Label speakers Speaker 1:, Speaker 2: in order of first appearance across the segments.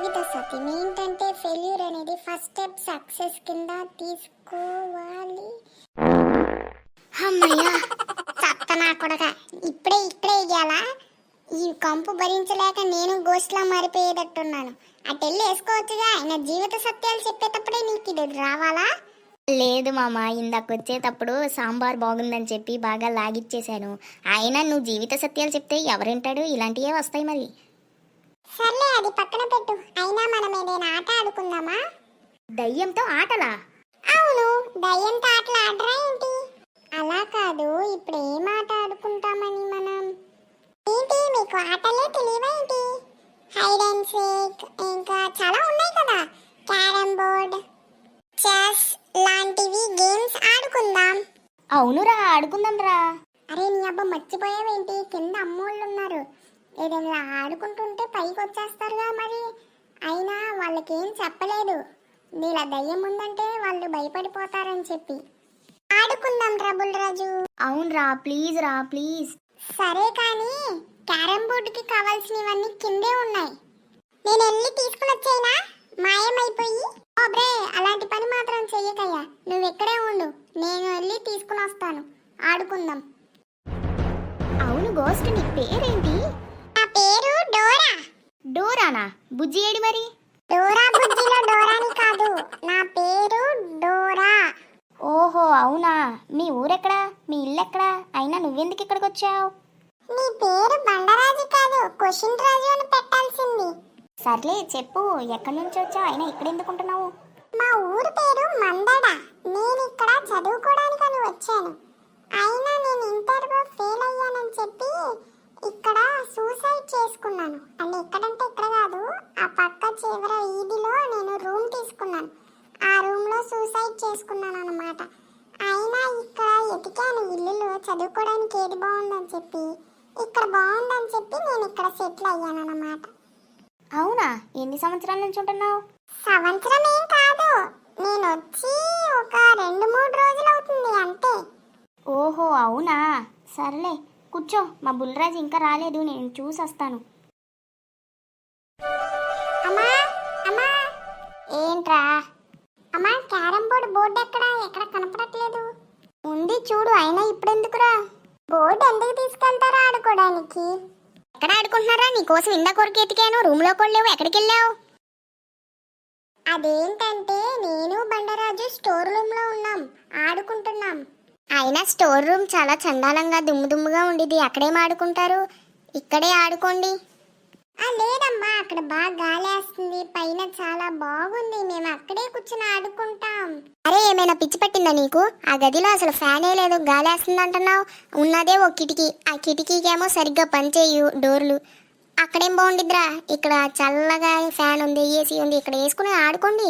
Speaker 1: జీవిత సత్యం ఏంటంటే ఫెయిల్యూర్ అనేది first step success కింద తీసుకోవాలి. అమ్మయ్యా చత్తనా కొడక, ఇక్కడే ఇయ్యాలా? ఈ కంపు భరించలేక నేను గోష్లా మారిపోయేటట్టున్నాను. అటెళ్ళి వేసుకోవచ్చుగా. ఆయన జీవిత సత్యాలు చెప్పేటప్పుడే నీకు ఇది రావాలా?
Speaker 2: లేదు మామ, ఇందాక వచ్చేటప్పుడు సాంబార్ బాగుందని చెప్పి బాగా లాగిచ్చేశాను. అయినా నువ్వు జీవిత సత్యాలు చెప్తే ఎవరింటాడు? ఇలాంటివే వస్తాయి మరి.
Speaker 1: సర్లే, అది పక్కన పెట్టు. అయినా మనం ఏదైనా ఆట ఆడుకుందామా?
Speaker 2: దయ్యంతో ఆటలా?
Speaker 1: అవును, దయ్యంతో ఆటలు ఆడరా ఏంటి? అలా కాదు, ఇప్పుడు ఏం ఆట ఆడుకుంటామని మనం. ఏంటి మీకు ఆటలే తెలియవా ఏంటి? హైడ్ అండ్ సీక్, ఇంకా చాలా ఉన్నాయి కదా. క్యారమ్ బోర్డ్, చెస్ లాంటివి గేమ్స్ ఆడుకుందాం.
Speaker 2: అవునురా, ఆడుకుందాం రా.
Speaker 1: అరే నీ అబ్బా, మర్చిపోయావేంటి? కింద అమ్మోళ్ళు ఉన్నారు. ఏదైనా ఆడుకుంటుంటే పైకి వచ్చేస్తారుగా మరి. అయినా వాళ్ళకేం చెప్పలేదు, నీలా దయ్యం ఉందంటే వాళ్ళు భయపడిపోతారని చెప్పి. ఆడుకుందాం ట్రబుల్ రాజు.
Speaker 2: అవునరా, ప్లీజ్ రా, ప్లీజ్.
Speaker 1: సరే కానీ క్యారమ్ బోర్డుకి కావాల్సినవన్నీ కిందే ఉన్నాయి. నేను వెళ్ళి తీసుకుని వచ్చేనా మాయమైపోయి? ఓబ్రే, అలాంటి పని మాత్రం చెయ్యకయ్యా. నువ్వు ఇక్కడే ఉండు, నేను వెళ్ళి తీసుకుని వస్తాను. ఆడుకుందాం.
Speaker 2: అవును గోస్ట్, నీ పేరేంటి?
Speaker 1: నా పేరు డోరా.
Speaker 2: డోరానా? బుజ్జి ఏడి మరి?
Speaker 1: డోరా బుజ్జిలో డోరాని కాదు, నా పేరు డోరా.
Speaker 2: ఓహో అవునా. మీ ఊరెక్కడా? మీ ఇల్లు ఎక్కడా? అయినా నువ్వెందుకు ఇక్కడికి వచ్చావు?
Speaker 1: నీ పేరు బండరాజు కాదు, క్వశ్చన్ రాజు అని పెట్టాల్సింది.
Speaker 2: సర్లే చెప్పు, ఎక్కడి నుంచి వచ్చావు? అయినా ఇక్కడ ఎందుకుంటున్నావు?
Speaker 1: మా ఊరు పేరు మందడ. నేను ఇక్కడ చదువుకోవడానికని వచ్చాను. అయినా నేను ఇంటర్లో ఫెయిల్ అయ్యానని చెప్పి ఇక్కడ సూసైడ్ చేసుకున్నాను. అంటే ఇక్కడంటే ఇక్కడ కాదు, ఆ పక్క చివర ఈదిలో నేను రూమ్ తీసుకున్నాను. ఆ రూమ్లో సూసైడ్ చేసుకున్నాను అన్నమాట. అయినా ఇక్కడ ఎతికాను ఇల్లులో, చదువుకోవడానికి ఏది బాగుందని చెప్పి. ఇక్కడ బాగుందని చెప్పి నేను ఇక్కడ సెటిల్ అయ్యాను అన్నమాట.
Speaker 2: అవునా? ఎన్ని సంవత్సరాల నుంచి ఉంటున్నావు?
Speaker 1: సంవత్సరం ఏం కాదు, నేను వచ్చి ఒక 2-3 రోజులు అవుతుంది అంతే.
Speaker 2: ఓహో అవునా. సర్లే కూర్చో, మా బుల్రాజు ఇంకా రాలేదు, నేను చూసి వస్తాను.
Speaker 1: అమ్మా అమ్మా,
Speaker 2: ఏంట్రా?
Speaker 1: అమ్మా క్యారమ్ బోర్డు ఎక్కడ కనపడట్లేదు.
Speaker 2: ఉంది చూడు. అయినా ఇప్పుడెందుకురా?
Speaker 1: బోర్డు ఎందుకు తీసుకెళ్తారా ఆడుకోవడానికి?
Speaker 2: ఎక్కడ ఆడుకుంటున్నారా? నీకోసం ఇందాకొరకు ఎతికాను, రూమ్లో కూడా లేవు. ఎక్కడికి వెళ్ళావు?
Speaker 1: అదేంటంటే నేను బండరాజు స్టోర్ రూమ్ లో ఉన్నాం, ఆడుకుంటున్నాం.
Speaker 2: అయినా స్టోర్ రూమ్ చాలా చండాలంగా దుమ్ముగా ఉండేది. అక్కడేం ఆడుకుంటారు? ఇక్కడే ఆడుకోండి.
Speaker 1: లేదమ్మా, అక్కడ బాగా గాలి వేస్తుంది, పైన చాలా బాగుంది, మేము అక్కడే కూర్చుని ఆడుకుంటాం.
Speaker 2: అరే, ఏమైనా పిచ్చి పట్టిందా నీకు? ఆ గదిలో అసలు ఫ్యానే లేదు, గాలి వేస్తుంది అంటున్నావు. ఉన్నదే ఓ కిటికీ, ఆ కిటికీకేమో సరిగ్గా పనిచేయు డోర్లు. అక్కడేం బాగుండిద్దిరా? ఇక్కడ చల్లగా ఫ్యాన్ ఉంది, ఏసీ ఉంది, ఇక్కడ వేసుకుని ఆడుకోండి.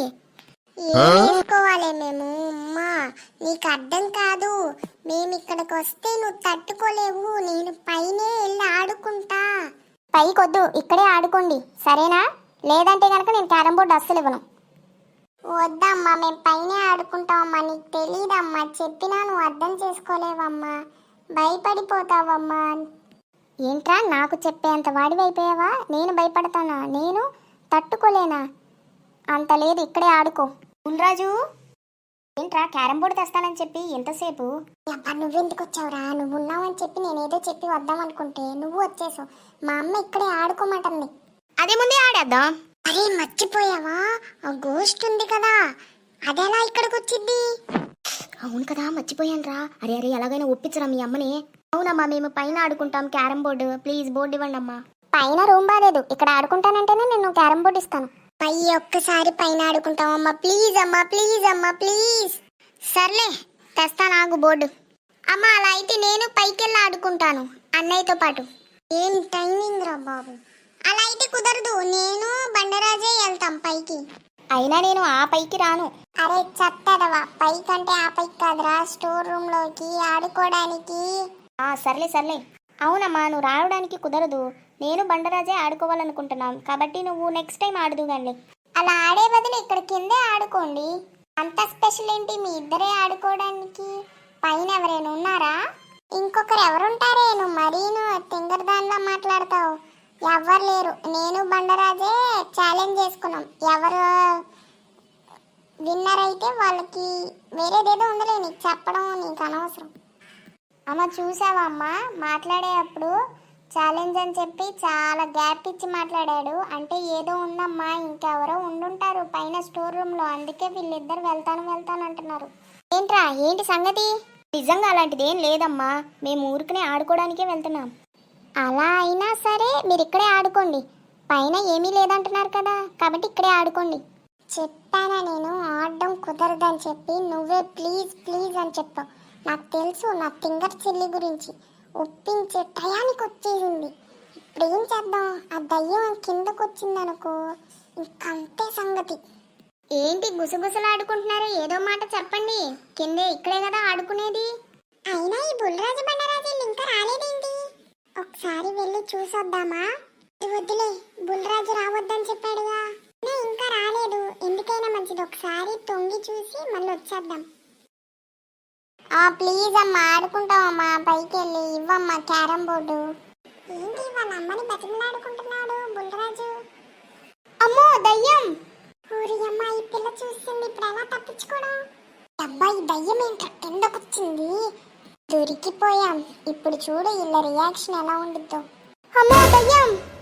Speaker 1: వేసుకోవాలి మేము? అమ్మా నీకు అర్థం కాదు, మేము ఇక్కడికి వస్తే నువ్వు తట్టుకోలేవు. నేను పైనే వెళ్ళి ఆడుకుంటా.
Speaker 2: పైకొద్దు, ఇక్కడే ఆడుకోండి సరేనా? లేదంటే కనుక నేను క్యారమ్ బోర్డు అస్సలు ఇవ్వను.
Speaker 1: వద్దమ్మా, మేము పైనే ఆడుకుంటామమ్మా. నీకు తెలీదమ్మా, చెప్పినా నువ్వు అర్థం చేసుకోలేవమ్మా, భయపడిపోతావమ్మా.
Speaker 2: ఏంట్రా, నాకు చెప్పేంత వాడివైపోయావా? నేను భయపడతానా? నేను తట్టుకోలేనా? అంత లేదు, ఇక్కడే ఆడుకో. బుల్రాజు, ఏంట్రా క్యారమ్ బోర్డు తెస్తానని చెప్పి ఎంతసేపు?
Speaker 1: అబ్బా, నువ్వెందుకు వచ్చావురా? నువ్వు ఉన్నావని చెప్పి నేనేదో చెప్పి వద్దాం అనుకుంటే నువ్వు వచ్చేసావు. మా అమ్మ ఇక్కడే ఆడుకోమంటుంది.
Speaker 2: అదే ముందే ఆడేద్దాం.
Speaker 1: అరే మర్చిపోయావా, ఆ గోస్ట్ ఉంది కదా, అదెలా ఇక్కడికి వచ్చింది?
Speaker 2: అవును కదా, మర్చిపోయాను రా. అరే అరే, ఎలాగైనా ఒప్పించరా మీ అమ్మని. అవునమ్మా, మేము పైన ఆడుకుంటాం క్యారమ్ బోర్డు. ప్లీజ్ బోర్డు ఇవ్వండి అమ్మా.
Speaker 1: పైన రూమ్ బాలేదు, ఇక్కడ ఆడుకుంటానంటేనే నేను క్యారమ్ బోర్డు ఇస్తాను. పై ఒక్కసారి పైన ఆడుకుంటామమ్మా, ప్లీజ్ అమ్మా, ప్లీజ్ అమ్మా, ప్లీజ్.
Speaker 2: సర్లే తెస్తా నాకు బోర్డు.
Speaker 1: అమ్మా అలా అయితే నేను పైకెళ్ళి ఆడుకుంటాను అన్నయ్యతో పాటు. ఏం టైమింగ్ రా బాబు, అలా అయితే కుదరదు. నేను బండరాజే వెళ్తాం పైకి.
Speaker 2: అయినా నేను ఆ పైకి రాను.
Speaker 1: అరే చెత్తదవా, పైకంటే ఆ పైకి కాదురా, స్టోర్ రూమ్ లోకి ఆడుకోవడానికి.
Speaker 2: సర్లే సర్లే. అవునమ్మా, నువ్వు రావడానికి కుదరదు. నేను బండరాజే ఆడుకోవాలనుకుంటున్నాం కాబట్టి నువ్వు నెక్స్ట్ టైం ఆడదు కానీ.
Speaker 1: అలా ఆడే బదులు ఇక్కడ కిందే ఆడుకోండి. అంత స్పెషల్ ఏంటి మీ ఇద్దరే ఆడుకోవడానికి? పైన ఎవరైనా ఉన్నారా? ఇంకొకరు ఎవరుంటారే? నువ్వు మరీను తింగరదానిలా మాట్లాడతావు. ఎవ్వరు లేరు, నేను బండరాజే ఛాలెంజ్ చేసుకున్నాం. ఎవరు విన్నర్ అయితే వాళ్ళకి వేరేదేదో ఉందలే, నీకు చెప్పడం నీకు అనవసరం.
Speaker 2: అమ్మ చూసావా అమ్మ, మాట్లాడేటప్పుడు ఛాలెంజ్ అని చెప్పి చాలా గ్యాప్ ఇచ్చి మాట్లాడాడు. అంటే ఏదో ఉందమ్మా, ఇంకెవరో ఉండుంటారు పైన స్టోర్ రూమ్లో, అందుకే వీళ్ళిద్దరు వెళ్తాను అంటున్నారు. ఏంట్రా, ఏంటి సంగతి? నిజంగా అలాంటిది ఏం లేదమ్మా, మేము ఊరికనే ఆడుకోవడానికే వెళ్తున్నాం. అలా అయినా సరే మీరు ఇక్కడే ఆడుకోండి, పైన ఏమీ లేదంటున్నారు కదా, కాబట్టి ఇక్కడే ఆడుకోండి.
Speaker 1: చెప్పానా నేను ఆడడం కుదరదని చెప్పి, నువ్వే ప్లీజ్ ప్లీజ్ అని చెప్పావు. నాకు తెలుసు నా ఫింగర్ చిల్లి గురించి, ఒప్పించే టయానికి వచ్చేసింది. ఇప్పుడు ఏం చేద్దాం, ఆ దయ్యం కిందకు వచ్చిందనుకో ఇంకంతే సంగతి.
Speaker 2: ఏంటి గుసగుసలు ఆడుకుంటున్నారు, ఏదో మాట చెప్పండి. కిందే ఇక్కడే కదా ఆడుకునేది.
Speaker 1: అయినా ఈ బుల్రాజు బండరాజు ఇంకా రాలేదేంటి? ఒకసారి వెళ్ళి చూసొద్దామా? వద్దులే, బుల్రాజు రావద్దని చెప్పాడుగా. ఇంకా రాలేదు, ఎందుకైనా మంచిది ఒకసారి తొంగి చూసి మళ్ళీ వచ్చేద్దాం.
Speaker 2: ప్లీజ్ అమ్మా, ఆడుకుంటామమ్మా, పైకి వెళ్ళి ఇవ్వమ్మా క్యారం బోర్డు.
Speaker 1: ఏంటి వాళ్ళ అమ్మని బతిమలాడుకుంటున్నాడు బుల్రాజు?
Speaker 2: అమ్మో దయ్యం!
Speaker 1: ఊరి అమ్మ, ఈ పిల్ల చూస్తుంది, ఇప్పుడు ఎలా తప్పించుకోవడం? అబ్బాయి దయ్యం ఏంట్రా కిందకొచ్చింది, దొరికిపోయాం. ఇప్పుడు చూడు వీళ్ళ రియాక్షన్ ఎలా ఉండిద్దో.
Speaker 2: అమ్మో దయ్యం!